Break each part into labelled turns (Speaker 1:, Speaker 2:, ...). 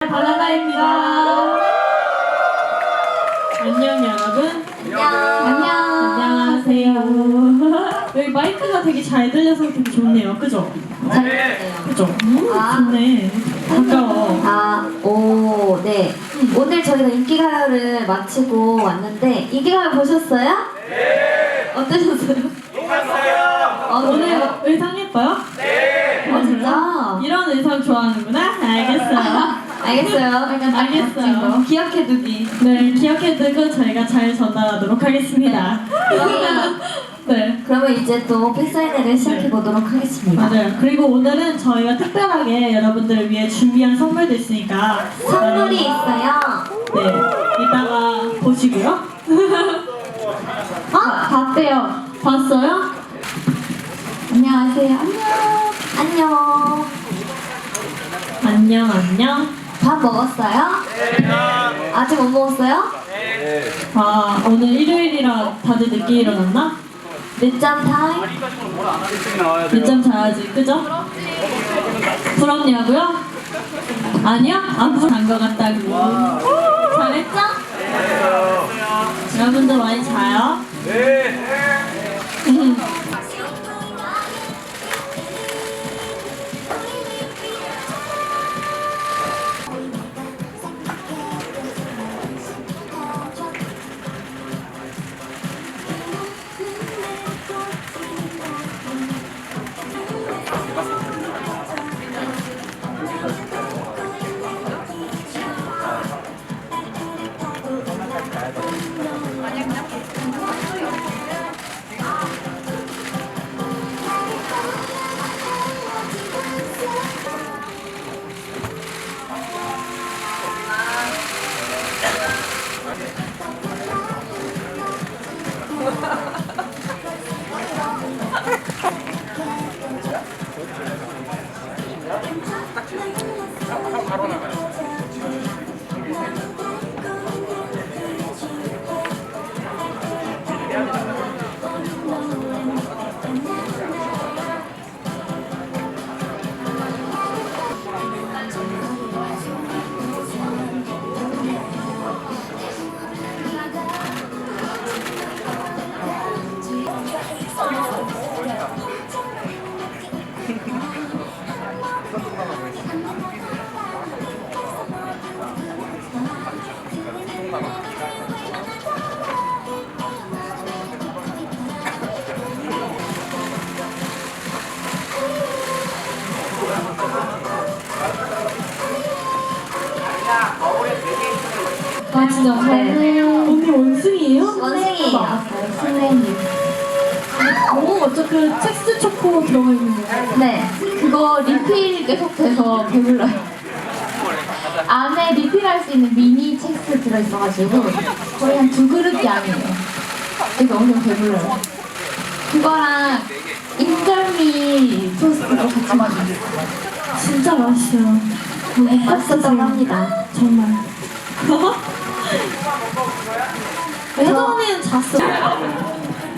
Speaker 1: 발라다입니다. 안녕 여러분. 안녕하세요. 여기 마이크가 되게 잘 들려서 되게 좋네요. 그죠?
Speaker 2: 네.
Speaker 1: 그죠? 좋네. 가까워.
Speaker 2: 네. 오늘 저희가 인기가요를 마치고 왔는데 인기가요 보셨어요? 네. 어떠셨어요?
Speaker 1: 오늘 의상 예뻐요?
Speaker 2: 네. 진짜?
Speaker 1: 이런 의상 좋아하는구나? 알겠어요. 알겠어요.
Speaker 2: 기억해두기.
Speaker 1: 네, 기억해두고 저희가 잘 전달하도록 하겠습니다.
Speaker 2: 그러면 이제 또 팬사인회를 시작해보도록 하겠습니다.
Speaker 1: 맞아요. 그리고 오늘은 저희가 특별하게 여러분들을 위해 준비한 선물도 있으니까
Speaker 2: 선물이 있어요.
Speaker 1: 네, 이따가 보시고요. 봤어요?
Speaker 2: 안녕하세요.
Speaker 1: 안녕.
Speaker 2: 밥 먹었어요? 아직 못 먹었어요?
Speaker 1: 오늘 일요일이라 다들 늦게 일어났나?
Speaker 2: 늦잠 타임?
Speaker 1: 늦잠 자야지, 그죠? 부럽냐고요? 아니요? 안 부러운 것 같다고. 잘했죠? 여러분들 많이 자요? 진짜 언니 원숭이에요?
Speaker 2: 원숭이에요. 선생님.
Speaker 1: 그 첵스 초코 들어가 있는 거예요?
Speaker 3: 네, 그거 리필 계속 돼서 배불러요. 안에 리필할 수 있는 미니 첵스 들어있어가지고 거의 한 2그릇 양이에요. 그래서 엄청 배불러요. 그거랑 인절미 토스트도 같이 먹어요.
Speaker 1: 진짜 맛있어요.
Speaker 2: 맛있었다고 합니다.
Speaker 1: 정말. 혜정 언니는 잤어.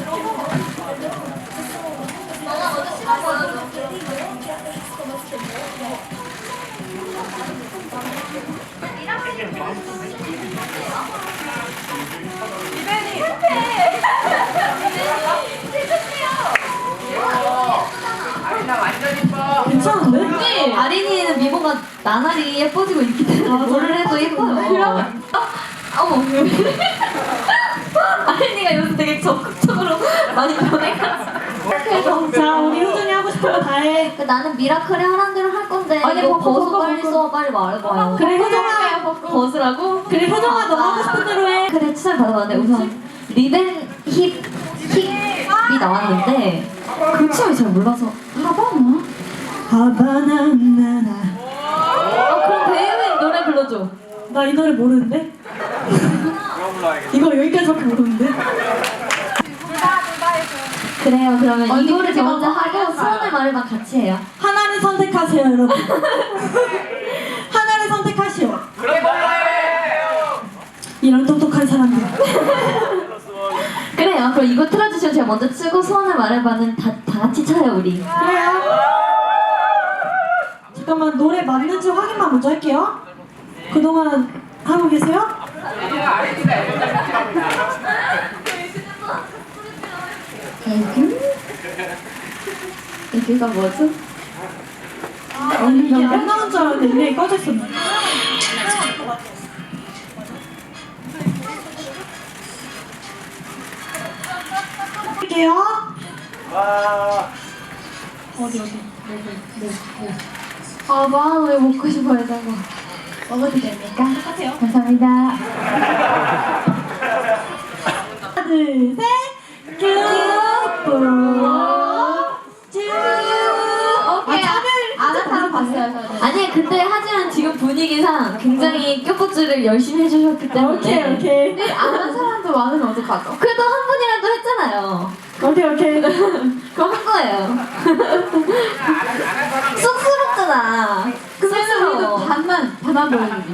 Speaker 1: 괜찮은데?
Speaker 2: 아린이는 미모가 나날이 예뻐지고 있기 때문에 뭐를 해도 예뻐요. 어머. 아린이가 요즘 되게 적극적으로 많이 변해가지고.
Speaker 1: 자, 우리 효준이 하고 싶은 거 다 해.
Speaker 2: 나는 미라클이 하라는 대로 할 건데
Speaker 3: 아니,
Speaker 2: 이거
Speaker 3: 벗어,
Speaker 2: 벗어 빨리 써 빨리 말해봐요.
Speaker 1: 그래, 효정아.
Speaker 2: 벗으라고?
Speaker 1: 그래, 효정아, 너 하고 싶은 대로 해.
Speaker 2: 그래 추천 받아봤는데 우선 리벤 힙이 나왔는데 그 취향이 잘 몰라서 하바나?
Speaker 1: 하바나나나.
Speaker 2: 그럼 배우인 노래 불러줘.
Speaker 1: 나 이 노래 모르는데? 이거 여기까지밖에 모르는데?
Speaker 2: 그래요. 그러면
Speaker 3: 언니,
Speaker 2: 이거를
Speaker 3: 그거
Speaker 2: 먼저 하고 소원을 말해봐 같이 해요.
Speaker 1: 하나를 선택하세요, 여러분. 하나를 선택하시오. 이런 똑똑한 사람들.
Speaker 2: 그래요. 그럼 이거 틀어주시면 제가 먼저 치고 소원을 말해봐는 다 같이 쳐요 우리.
Speaker 1: 그래요. 잠깐만 노래 맞는지 확인만 먼저 할게요.
Speaker 4: 그동안 하고 계세요?
Speaker 3: 애교가 뭐죠?
Speaker 4: 아니 이게 안 나온 줄 알았는데 이게 꺼졌었네. 할게요. 어디.
Speaker 3: 아, 마음을 먹고 싶어요, 저거. 먹어도 됩니까?
Speaker 4: 하세요.
Speaker 3: 감사합니다.
Speaker 4: 하나, 둘, 셋.
Speaker 3: 오케이. 안 한 사람 봤어요, 저는.
Speaker 2: 아니 근데 하지만 지금 분위기상 굉장히 큐포즈를 열심히 해주셨기 때문에
Speaker 4: 오케이.
Speaker 3: 근데 안 한 사람도 많으면 어떡하죠?
Speaker 2: 그래도 한 분이라도 했잖아요.
Speaker 4: 오케이.
Speaker 2: 그럼 한 거예요. 쑥스럽잖아.
Speaker 3: 그러면 우리도
Speaker 2: 쑥스러워.
Speaker 3: 반만 보여주기.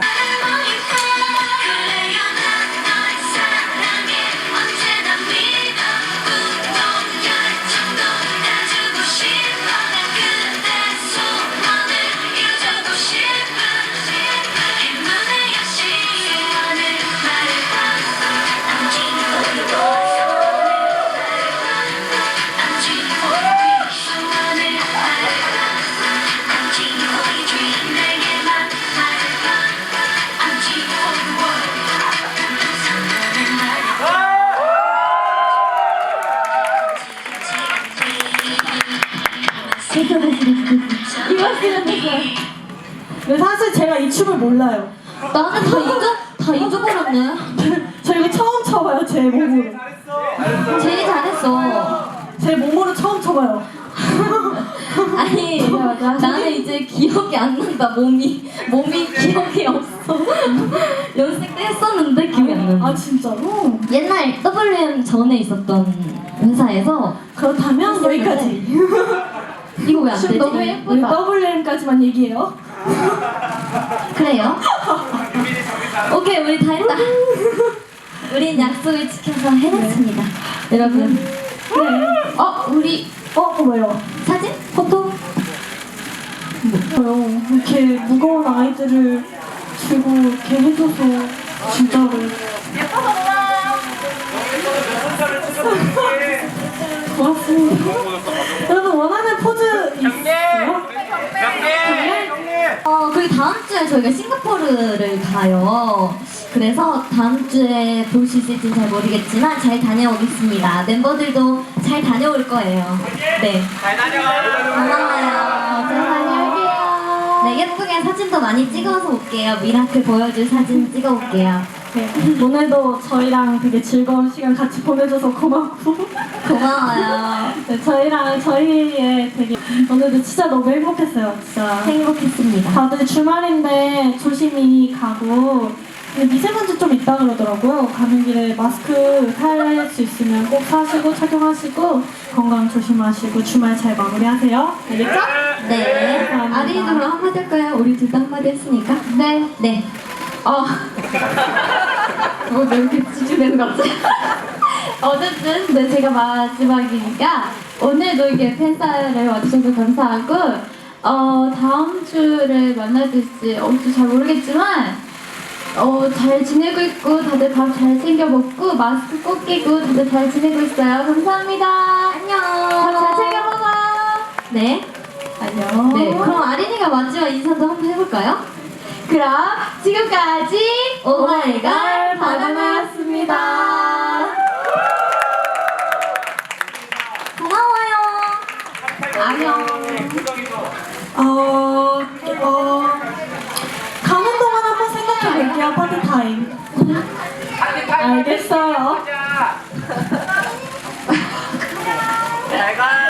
Speaker 4: 근데 사실 제가 이 춤을 몰라요.
Speaker 2: 나는 다 잊어버렸네.
Speaker 4: 저 이거 처음 쳐봐요, 제 몸으로.
Speaker 2: 제일 잘했어.
Speaker 4: 제 몸으로 처음 쳐봐요.
Speaker 2: 아니 나는 이제 기억이 안 난다. 몸이 기억이 없어. 연습 때 했었는데 기억이 안 난다.
Speaker 4: 아 진짜로?
Speaker 2: 옛날 WM 전에 있었던 회사에서
Speaker 4: 그렇다면 여기까지.
Speaker 2: 이거 왜 안 되지?
Speaker 3: 너무
Speaker 4: 우리
Speaker 3: 예쁘다.
Speaker 4: WM까지만 얘기해요.
Speaker 2: 그래요? 오케이 우리 다 했다. 우린 약속을 지켜서 해냈습니다. 여러분
Speaker 3: 우리
Speaker 4: 뭐요?
Speaker 2: 사진? 포토?
Speaker 4: 뭐요? 이렇게 무거운 아이들을 들고 이렇게 해줘서 진짜로. 고맙습니다. 여러분 원하는 포즈 있어요?
Speaker 2: 그리고 다음 주에 저희가 싱가포르를 가요. 그래서 다음 주에 볼 수 있을지 잘 모르겠지만 잘 다녀오겠습니다. 멤버들도 잘 다녀올 거예요. 네. 고마워요.
Speaker 3: 잘 다녀올게요.
Speaker 2: 네, 예쁘게 사진도 많이 찍어서 올게요. 미라클 보여줄 사진 찍어 올게요.
Speaker 4: 네. 오늘도 저희랑 되게 즐거운 시간 같이 보내줘서 고맙고.
Speaker 2: 고마워요.
Speaker 4: 네, 저희의 되게 오늘도 진짜 너무 행복했어요. 진짜.
Speaker 2: 행복했습니다.
Speaker 4: 다들 주말인데 조심히 가고 근데 미세먼지 좀 있다 그러더라고요. 가는 길에 마스크 살 수 있으면 꼭 사시고 착용하시고 건강 조심하시고 주말 잘 마무리하세요. 알겠죠?
Speaker 2: 네.
Speaker 4: 감사합니다.
Speaker 2: 아린이도 그럼 한마디 할까요? 우리 둘 다 한마디 했으니까.
Speaker 3: 네.
Speaker 2: 네.
Speaker 3: 뭐 이렇게 찌질대는 것 같지? 어쨌든 네, 제가 마지막이니까 오늘도 이게 팬사를 와주셔서 감사하고 다음 주를 만나실지 잘 모르겠지만 잘 지내고 있고 다들 밥 잘 챙겨 먹고 마스크 꼭 끼고 다들 잘 지내고 있어요. 감사합니다.
Speaker 2: 안녕.
Speaker 3: 밥 잘 챙겨 먹어.
Speaker 2: 네.
Speaker 3: 안녕.
Speaker 2: 네. 그럼 아린이가 마지막 인사도 한번 해볼까요?
Speaker 3: 그럼 지금까지
Speaker 2: 오마이걸
Speaker 3: 바나나였습니다.
Speaker 2: 고마워요.
Speaker 3: 안녕.
Speaker 4: 가는 동안 한번 생각해 볼게요. 파티 타임. 알겠어요.